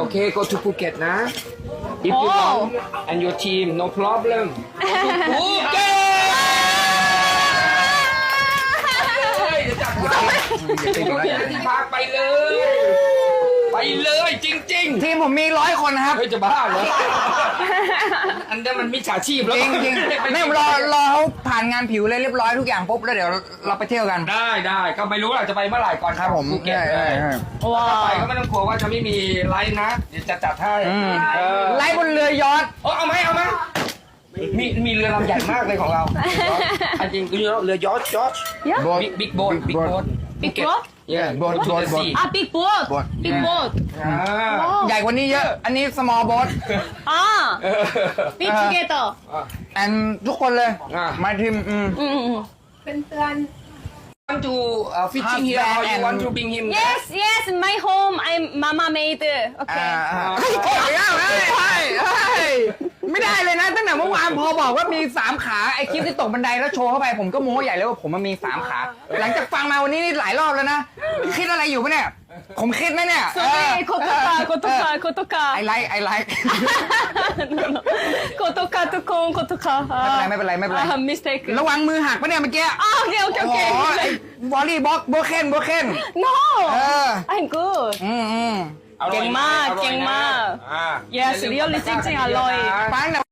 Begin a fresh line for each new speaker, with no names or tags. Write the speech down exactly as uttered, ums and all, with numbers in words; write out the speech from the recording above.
okay go to Phuket นะ if you want and your team no problem go to Phuket เดี๋ยวจัดให้ที่พักไปเลย ไปเลยจริงๆ
ทีมผมมีร้อยคนนะครับ
เฮ้ยจะบ้าเหรอ อันนั้นมันมิจฉาชีพแล้ว
จริงจริงๆนี่รอรอเขาผ่านงานผิวเลยเรียบร้อยทุกอย่างปุ๊บแล้วเดี๋ยวเราไปเที่ยวกัน
ได้ได้ก็ไม่รู้เราจะไปเมื่อไหร่ก่อน
ครับผม
ภูเก็ต
ใช่
เลย
ใช่
ถ้าไปก็ไม่ต้องกลัวว่าจะไม่มีไลฟ์นะ เดี๋ยวจะจัดให้เออ
ไล่บนเรือยอท
โอ้เอาไหมเอาไหมมีมีเรือลำใหญ่มากเลยของเราอันจริงเรือเรือยอชจอช
โบ๊ท
บิ๊กบิ๊กโบ๊ทบิ๊กโบ๊ท
Big boat?
เย่
โบ๊ทโบ๊ทโบ๊ท
Ah, big boat.
Boat.
Big
Yeah.
boat.
ใหญ่กว่านี้เยอะ อันนี้ small boat
Ah,
เออ
big
Uh.
together.
and ทุกคนเลย
อ่ะ
มาทีมอืม
Mm.
want to uh, fishing here or you want to bring him
Yes, yes. My home. I'm Mama made.
อ่า
Okay.
อ่าเฮ้ยโอ้ยเฮ้ยเฮ้ยเฮ้ยไม่ได้เลยนะตั้งแต่เมื่อวานพอบอกว่ามีสามขาไอคลิปที่ตกบันไดแล้วโชว์เข้าไปผมก็โม้ใหญ่เลยว่าผมมันมีสามขา หลังจากฟังมาวันนี้นี่หลายรอบแล้วนะคิดอะไรอยู่ปะเนี่ย ผมคิดไหมเนี่ย
Sorry, kotoka, kotoka, kotoka.
I like I like
No, no. Kotoka to kon, kotoka.
ไม่เป็นไรไม่เป็นไรไม่เป็นไร
Ah, mistake.
ระวังมือหักปะเนี่ยเมื่อกี้
Ah, okay, okay,
โอ้โห
okay.
ไอ้วอลลี่บ็อกโบเคนโบเคน
No,
เออ
I'm good.
อืมอืม
อร่อยนะ
เก่งมาก
อร่อยนะ
เก่งมาก
อ่า
Yes, really จริงๆอร่อย
ฟังนะ